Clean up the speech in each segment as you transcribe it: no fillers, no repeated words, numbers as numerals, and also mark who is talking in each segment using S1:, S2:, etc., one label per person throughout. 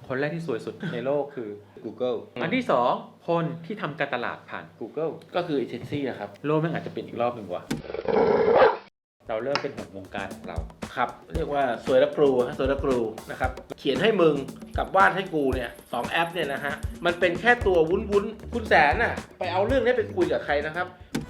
S1: คนแรกที่สวยสุดในโลกคือ Google อันที่2คนที่ทำการตลาดผ่าน Google
S2: ก็คือเอเจนซี่นะครับ
S1: โลกมันอาจจะเป็นอีกรอบหนึ่งว่ะเราเริ่มเป็นห่วงวงการของเรา
S2: ครับเรียกว่าสวยและครูสวยและครูนะครับเขียนให้มึงกับวาดให้กูเนี่ย2แอปเนี่ยนะฮะมันเป็นแค่ตัววุ้นคุณแสนน่ะไปเอาเรื่องนี้ไปคุยกับใครนะครับ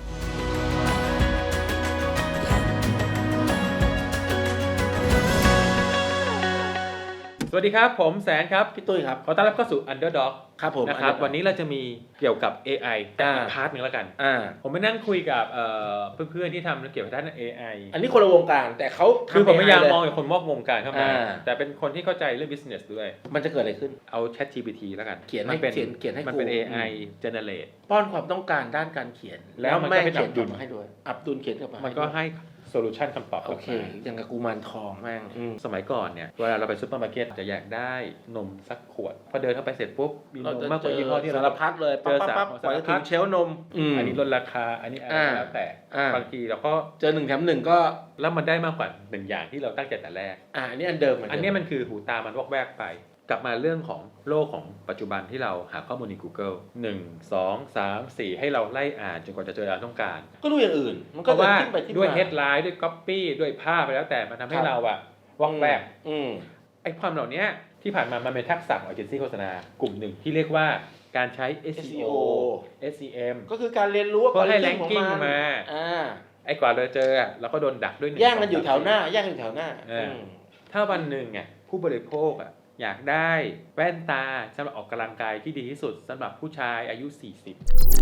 S1: สวัสดีครับผมแสนครับ
S2: พี่ตุ้ยครับ
S1: ขอต้อนรับเข้าสู่ Underdog
S2: ครับผม
S1: นะครับวันนี้เราจะมีเกี่ยวกับ AI แต่อีกพาร์ทหนึ่งแล้วกันผมไปนั่งคุยกับเพื่อนๆที่ทำเกี่ยวกับด้าน AI
S2: อันนี้คนละวงการแต่เขา
S1: คือผมพยายามมองอย่างคนมอกวงการเข้ามาแต่เป็นคนที่เข้าใจเรื่อง business ด้วย
S2: มันจะเกิดอะไรขึ้น
S1: เอา ChatGPT แล้วกัน
S2: เขียนให้
S1: มันเป็น AI generate
S2: ป้อนความต้องการด้านการเขียน
S1: แล้วมันก็เป็นอับดุล
S2: ให้ด้วยอับดุลเขียนกลับมา
S1: มันก็ให้โซลูชันคำตอบ
S2: โอเคอย่างกับกูมารทองแม่ง
S1: สมัยก่อนเนี่ยเวลาเราไปซุปเปอร์มาร์เก็ตจะอยากได้นมสักขวดพอเดินเข้าไปเสร็จปุ๊บมีนมมากกว่ายี่ห้อที่
S2: สารพัดเลยปั๊บกว่าจะถึงเชลนม
S1: อันนี้ลดราคาอันนี้อะไรแล้วแต่บางทีเราก็
S2: เจอ1 แถม 1ก็
S1: แล้วมันได้มากกว่า1อย่างที่เราตั้งใจแต่แรก
S2: อันนี้อันเดิม
S1: อันนี้มันคือหูตามันวอกแวกไปกลับมาเรื่องของโลกของปัจจุบันที่เราหาข้อมูลใน Google 1 2 3 4ให้เราไล่อ่านจนกว่าจะเจอเราต้องการ
S2: ก็ดูอย่างอื่น
S1: มันก็จะทิ้งไปด้วย headline ด้วย copy ด้วยภาพไปแล้วแต่มันทำให้เราอะวอกแวกไอ้ความเหล่านี้ที่ผ่านมามันเป็นทักษะของเอเจนซี่โฆษณากลุ่มหนึ่งที่เรียกว่าการใช้ SEO SEM
S2: ก็คือการเรียนรู้ว่า
S1: เพื่อให้ ranking มาไอ้กว่าเราเจอเราก็โดนดักด้วย
S2: แย่งกันอยู่แถวหน้า
S1: ถ้าวันหนึ่งผู้บริโภคอยากได้แว่นตาสำหรับออกกำลังกายที่ดีที่สุดสำหรับผู้ชายอายุ40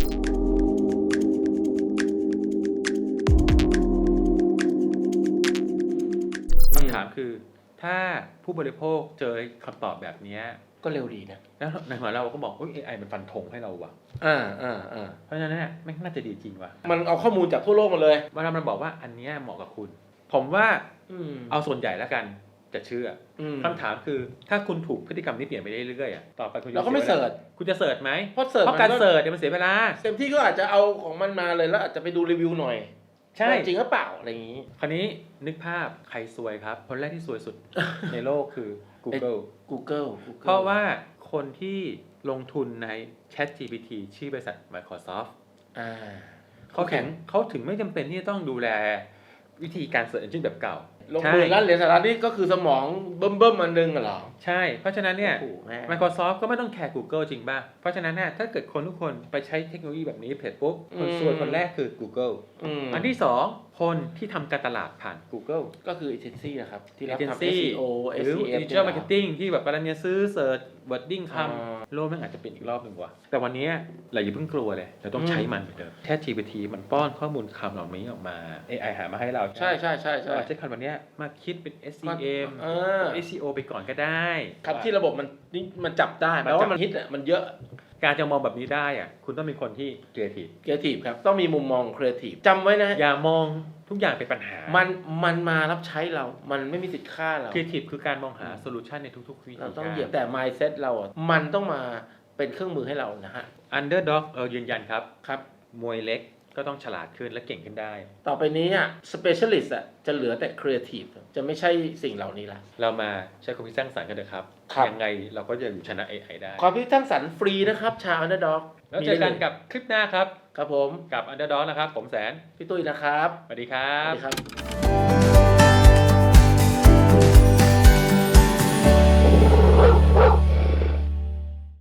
S1: คำถามคือถ้าผู้บริโภคเจอคำตอบแบบนี้
S2: ก็เร็วดีนะ
S1: แล้วในหัวเราก็บอกAI มันฟันธงให้เราว่ะเพราะฉะนั้นเนี่ยไม่น่าจะดีจริงว่ะ
S2: มันเอาข้อมูลจากทั่วโลกมาเลย
S1: เวลามันบอกว่าอันนี้เหมาะกับคุณผมว่าเอาส่วนใหญ่แล้วกันจะเชื่อคำถามคือถ้าคุณถูกพฤติกรรมนี้เปลี่ยนไปเรื่อยๆต่อไปคุณ
S2: เราก็ไม่เสิร์ช
S1: คุณจะเสิร์ชไหม
S2: เพราะ
S1: การเสิร์ชมันเสียเวลา
S2: เต็มที่ก็อาจจะเอาของมันมาเลยแล้วอาจจะไปดูรีวิวหน่อย
S1: ใช่
S2: จริงหรือเปล่าอะไรอย่างนี้
S1: คราวนี้นึกภาพใครซวยครับคนแรกที่ซวยสุด ในโลกคือ Google เพราะว่าคนที่ลงทุนใน ChatGPT ชื่อบริษัท Microsoft เขาถึงไม่จำเป็นที่จะต้องดูแลวิธีการ Search Engine แบบเก่า
S2: ลงมือล้านเหรียญสหรัฐนี่ก็คือสมองเบิ่มอันนึงเหรอ
S1: ใช่เพราะฉะนั้นเนี่ย Microsoft ก็ไม่ต้องแคร์ Google จริงป่ะเพราะฉะนั้นเนี่ยถ้าเกิดคนทุกคนไปใช้เทคโนโลยีแบบนี้เพจปุ๊บคนซวยคนแรกคือ Google อันที่2คนที่ทำการตลาดผ่าน Google
S2: ก็คือเอเจนซี่นะครับที่รับ
S1: ทำ SEO หรือ Digital Marketing ที่แบบกำลังจะซื้อเสิร์ช wording คำโลกมันอาจจะเป็นอีกรอบหนึ่งว่ะแต่วันนี้เราอย่าเพิ่งกลัวเลยเราต้องใช้มันเหมือนเดิมแค่ GPT มันป้อนข้อมูลคำเหล่านี้ออกมา AI หามาให้เรา
S2: ใช่ใ
S1: ช้คำวันนี้มาคิดเป็น SEM SEO ไปก่อนก็ได้
S2: ครับที่ระบบมันจับได้แปลว่ามันฮิตมันเยอะ
S1: การจะมองแบบนี้ได้คุณต้องเป็นคนที่ครีเอ
S2: ทีฟครับต้องมีมุมมองครีเอทีฟจำไว้นะ
S1: อย่ามองทุกอย่างเป็นปัญหา
S2: มันมารับใช้เรามันไม่มีสิทธิ์ฆ่าเรา
S1: ครีเอทีฟคือการมองหาโซลูชันในทุกๆวิธี
S2: เราต้องเหยียบแต่ mindset เรามันต้องมาเป็นเครื่องมือให้เรานะฮะ
S1: Underdog ยืนยันครับมวยเล็กก็ต้องฉลาดขึ้นและเก่งขึ้นได้
S2: ต่อไปนี้specialist จะเหลือแต่ creative จะไม่ใช่สิ่งเหล่านี้ละ
S1: เรามาใช้ความคิดสร้างสรรค์กันเถอะครับยังไงเราก็จะอยู่ชนะ AI ได้
S2: ความคิดสร้างสรรค์ฟรีนะครับชาว Underdog
S1: แล้วเจอกันกับคลิปหน้าครับ
S2: ผม
S1: กับ Underdog นะครับผมแสน
S2: พี่ตุ้ยนะครับ
S1: สวัสดีครับ